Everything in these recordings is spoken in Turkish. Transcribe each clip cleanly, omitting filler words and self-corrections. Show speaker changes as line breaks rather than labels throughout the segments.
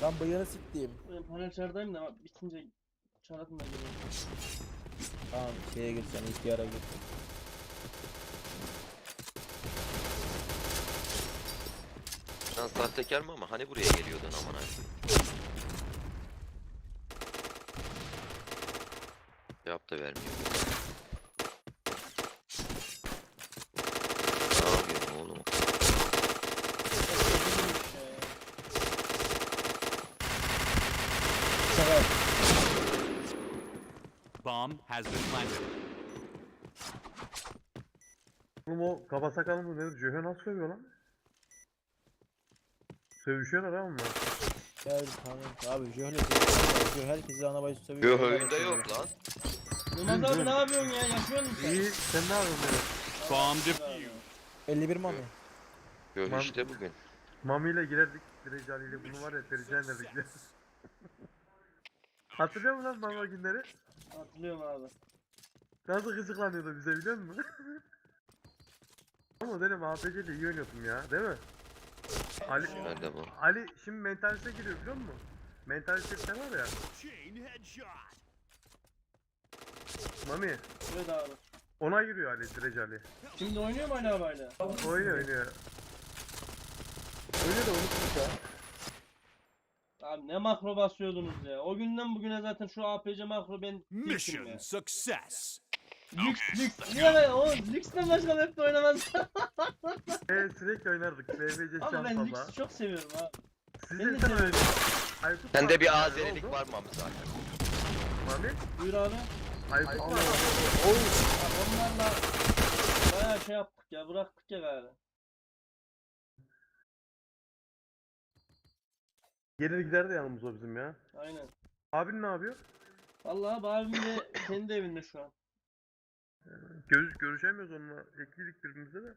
Lan bıyığını siktiğim.
Ben panel çardayım da bitince çaratın da geliyor.
Tamam şeye gir sen ihtiyara gir.
Lan sahtekar mı ama hani buraya geliyordun aman abi. Cevap da vermiyor. Ne yapıyorsun oğlum?
Şaka yap.
Bomb has been planted.
Oğlum o kaba sakallı mı nedir? Cöhe nasıl sövüyor lan? Sövüşüyorlar ha onlar.
Gel kanka abi Jöhle herkesi ana bacı seviyor.
Yok oyunda yok lan.
Yılmaz abi ne yapıyorsun ya? Yaşıyor musun sen?
İyi sen ne yapıyorsun böyle?
Bomb defused.
51 mami.
Yok
Lan-
işte bugün.
Mami ile girerdik Direcali ile bunu var ya perişan ederdik ya. Hatırlıyor musun lan Mami günleri?
Hatırlıyorum abi.
Nasıl gıcıklanıyordu bize biliyor musun? Ama dedim APC'de iyi oynuyordum ya değil mi? Ali,
Ben de bu.
Ali şimdi mentalite giriyor biliyor musun? Mentalite var ya.
Chain headshot.
Mami
Evet abi.
ona giriyor Ali Direcali.
Şimdi oynuyor mu hala hala?
Oynuyor oynuyor.
Öyle de unutmuş ya.
Abi ne makro basıyordunuz ya. O günden bugüne zaten şu APC makro ben bittim
Mission
ya.
success.
Lüks. Niye ben o lüksten başka map'te oynamaz.
Sürekli oynardık. BBC
Ama ben
şansala.
lüks çok seviyorum abi.
Siz
ben de
de sen
seviyorum.
Aykut
Sende
var.
bir
Ne
Azerilik
oldu?
var mı zaten?
Mami?
Buyur abi.
Aykut var.
Abi onlarla bayağı şey yaptık ya, bıraktık ya galiba.
Gelir gider de yanımız o bizim ya.
Aynen.
Abin ne yapıyor?
Vallahi abi abim de kendi evinde şu an.
Görüşemiyoruz onunla. Ekliydik birbirimize de.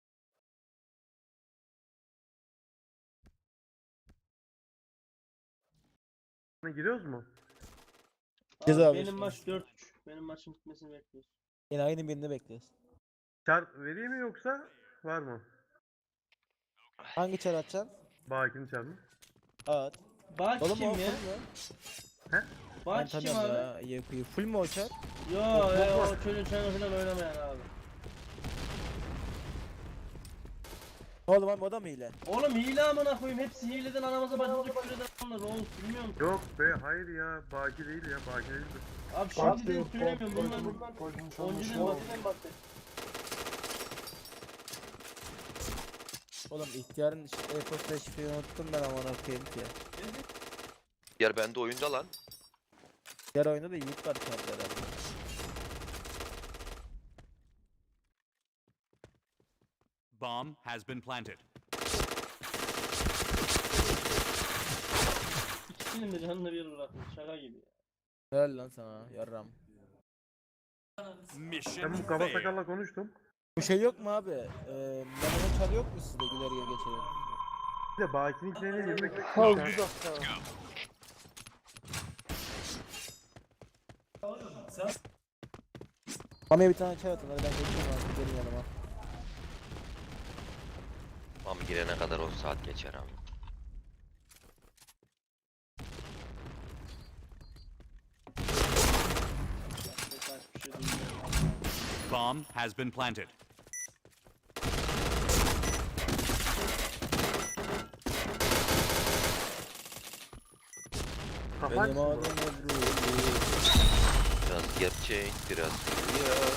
Ne giriyoruz mu?
Biz
Abi
abi
benim
işte.
maç 4-3. Benim maçın bitmesini bekliyoruz.
Yine aynı birini bekliyoruz.
Çar vereyim mi yoksa var mı?
Hangi çar atacaksın?
Bakini çar mı?
At.
Bak
Oğlum
kim
o
ya?
full mü? Ben
Bak kim
tanıyorum
abi?
ya. Yakuyu. Full mu o çar?
Yo o çocuğun çayını falan oynamayan abi.
Oğlum abi o da mı hile?
Oğlum hile amına koyayım, hepsi hileden anamıza bacımıza küfür eden onlar oğlum, bilmiyor musun?
Yok be hayır ya. Baki değil ya. Baki değildir.
Abi şimdi de söylemiyorum bunlar önceden bahsedeyim.
Oğlum ihtiyarın e-posta şifreyi unuttum ben amına koyayım ki.
Yer bende oyunda lan.
Diğer oyunda da Yiğit var çarda herhalde.
Bomb has been planted.
İkisinin de canını bir bırakmış, şaka gibi ya.
Helal lan sana yarram.
Mission
Ben bu kaba
failed.
sakalla konuştum.
Bu şey yok mu abi? Memo'nun çarı yok mu sizde güler gel geçelim?
Bir de Baki'nin içine girmek
Mami'ye bir tane çay atın hadi ben geçiyorum abi gelin yanıma.
Ama girene kadar 10 saat geçer ama.
Birkaç bir şey bilmiyorum.
Bomb has been planted.
kafa
Benim
açsın bu.
adım Ebru.
Biraz gerçek, biraz rüya.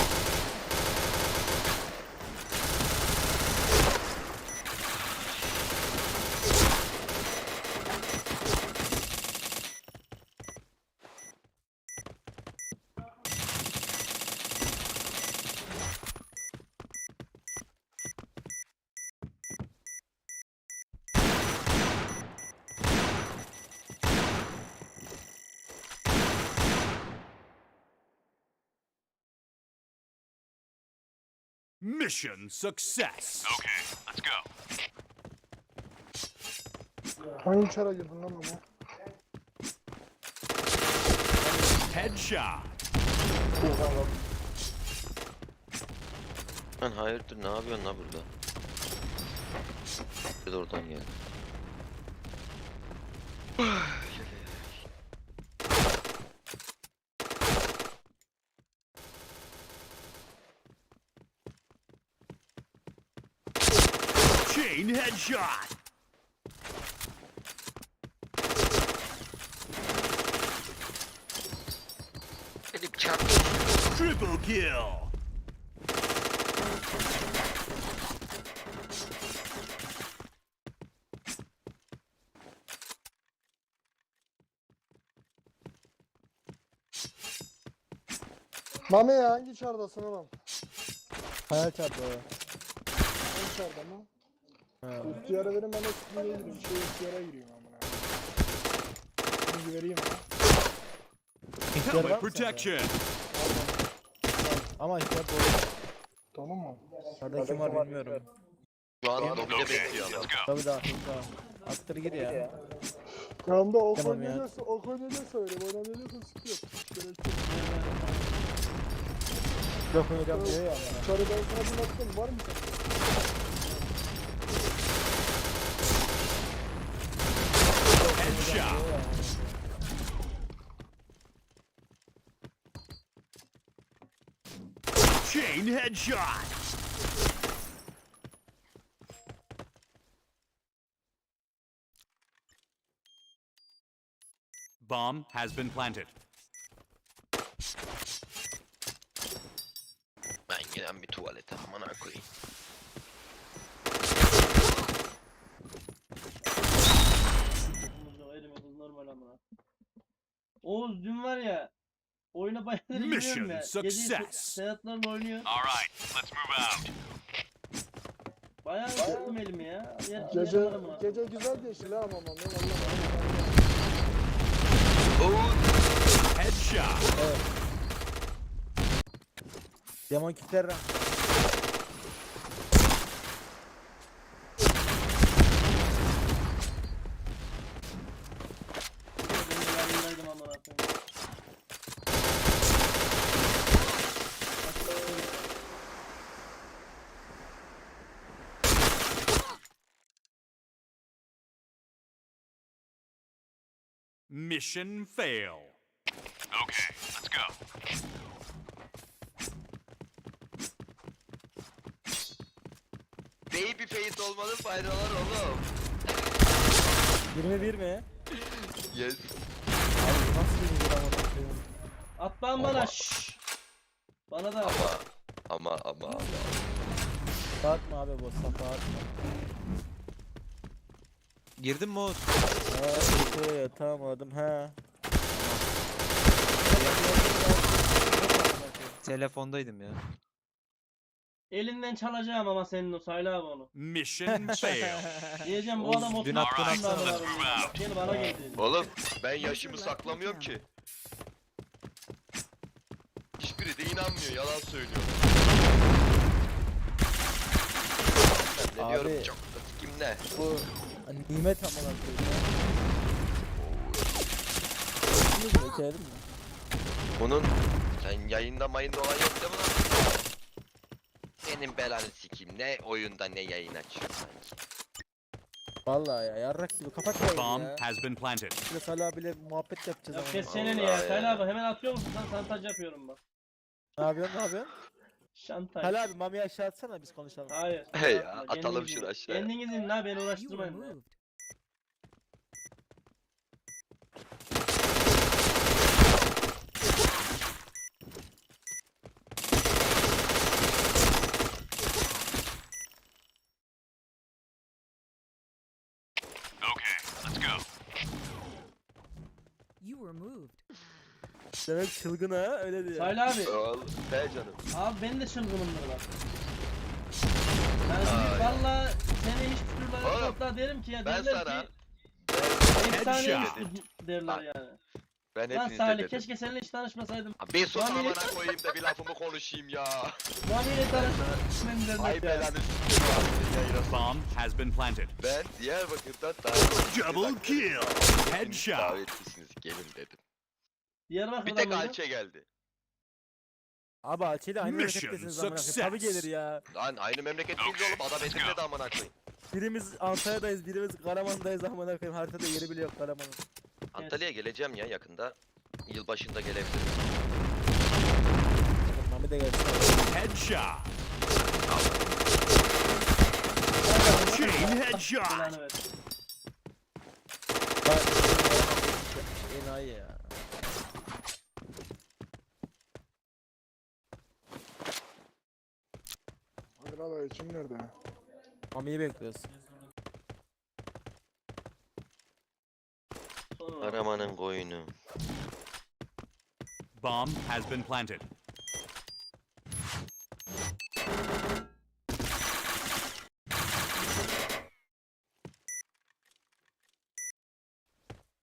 Mission success.
Hangi çara girdin lan bana?
Headshot.
Lan hayırdır ne yapıyorsun la burada? Bir de oradan gel.
Chain headshot.
Benim çarptı.
Triple kill.
Mami ya hangi çardasın oğlum?
Hayal çarptı o.
Hangi çarda mı?
Ha.
İhtiyara verin ben de sizinle gireyim. İhtiyara gireyim amına. Şimdi vereyim ha.
İhtiyar var
Helmet
mı sende?
protection.
Ama ihtiyar doğru.
Tamam mı?
Nerede kim var bilmiyorum.
Şu an lobide bekliyor adam.
Tabii daha. Attır gir ya.
Yanımda ok
Tamam ya.
oynayacaksa ok oynayacaksa öyle. Oynayacaksa sıkı yok. Gerek yok.
Yok oynayacağım diyor ya. bana.
Sarı ben sana bir attım. Var mı sen?
Headshot. Chain headshot. Bomb has been planted.
Ben gelen bir tuvalete amına koyayım.
Elimimiz normal amına. Oğuz dün var ya oyuna bayağıdır girmiyorum
Mission
ya.
success.
Gece Sedatlarla oynuyor.
All right, let's move out.
Bayağı ısıttım elimi ya.
Gece güzel geçti lan ama Mami.
Headshot.
Demon kitler.
Ben yayındaydım amına koyayım.
Mission fail. Okay, let's go.
Baby face olmanın faydaları oğlum.
21 mi?
Yes.
Abi nasıl 21 ama bakıyorum.
At lan bana şşş. Bana da
Ama.
Dağıtma abi bu safa atma.
Girdin mi Oğuz?
Evet tamam he.
Telefondaydım ya.
elinden çalacağım ama senin o Sayla abi onu.
Mission fail.
Diyeceğim bu
Oğuz,
adam
dün
30
attın
yaşında
atsana.
amına koyayım. Gel bana geldi.
Oğlum ben yaşımı saklamıyorum ki. Hiçbiri de inanmıyor, yalan söylüyor. Ben ne
Abi.
diyorum çok da kim ne?
Bu nimet amına koyayım. Şimdi geçelim mi?
Bunun sen yayında mayında olan yok değil mi lan? Senin belanı sikeyim, ne oyunda ne yayın açıyor sanki.
Vallahi ya yarrak gibi kapat yayını
Bomb
ya.
has been planted.
Şimdi Salih abiyle muhabbet yapacağız
Ya
ama.
kes çeneni ya.
Vallahi ya.
Sayla abi hemen atıyor musun? Sen santaj yapıyorum bak.
Ne yapıyorsun?
Şantaj.
Salih abi Mami'yi aşağı atsana biz konuşalım.
Hayır.
He ya,
Kendiniz
atalım
in.
şunu aşağıya.
Kendiniz in la beni
You were
uğraştırmayın. ya.
moved.
Okay, let's go.
You were moved.
Demek çılgın ha öyle diyor.
Sayla abi.
Oğlum, he canım.
Abi ben de çılgınımdır bak. Yani şimdi valla seni hiç türlü
Oğlum,
topla derim ki ya
Ben
derler
sana,
ki efsane
Headshot.
derler yani.
ben
Lan
hepinize
Salih
dedim.
keşke seninle hiç tanışmasaydım.
Bir sus
Lan
amına
beni-
koyayım da bir lafımı konuşayım ya.
Mami'yle tanışmam derler
Ay
ya.
belanı sikeyim abi, yayına
Bomb has been planted.
Ben Diyarbakır'dan davetlisiniz.
Double kill. Headshot.
Davetlisiniz, gelin dedim. Bir
Diyarbakır'da
tek
mıydı?
Alçe geldi.
Abi Alçı'yla aynı
Mission
memlekettesiniz amına koyayım.
success.
Tabii gelir ya.
Lan aynı memleketliyiz oğlum, adam Edirne'de amına koyayım.
Birimiz Antalya'dayız, birimiz Karaman'dayız amına koyayım. Haritada yeri bile yok Karaman'ın.
Antalya'ya geleceğim ya yakında. Yılbaşında gelebilirim.
Mami de gelsin.
Headshot. Chain headshot.
Belanı versin.
Enayi ya.
Hadi lan içim nerede?
Mami'yi bekliyoruz.
Sonra
Karaman'ın koyunu.
Bomb has been planted.